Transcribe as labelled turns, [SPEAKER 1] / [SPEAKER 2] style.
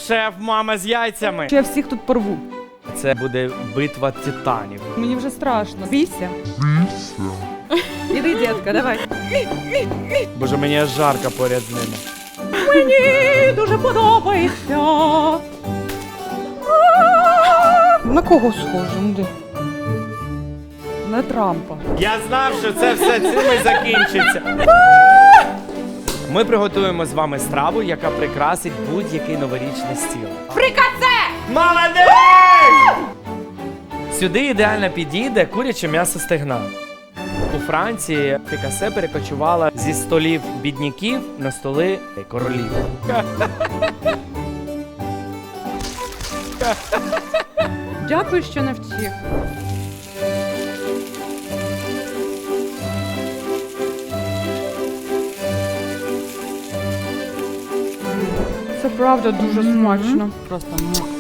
[SPEAKER 1] шеф, мама з яйцями.
[SPEAKER 2] Я всіх тут порву.
[SPEAKER 1] Це буде битва титанів.
[SPEAKER 2] Мені вже страшно. Бійся. Іди, дітка, давай.
[SPEAKER 1] Боже, мені аж жарко поряд з ними.
[SPEAKER 2] Мені дуже подобається. На кого схоже? Ну, де? На Трампа.
[SPEAKER 1] Я знав, що це все цим і закінчиться. Ми приготуємо з вами страву, яка прикрасить будь-який новорічний стіл.
[SPEAKER 2] Фрикасе!
[SPEAKER 1] Молодець! Сюди ідеально підійде куряче м'ясо стегна. У Франції фрикасе перекочувала зі столів бідняків на столи королів.
[SPEAKER 2] Дякую, що навчив. Це правда дуже смачно. Просто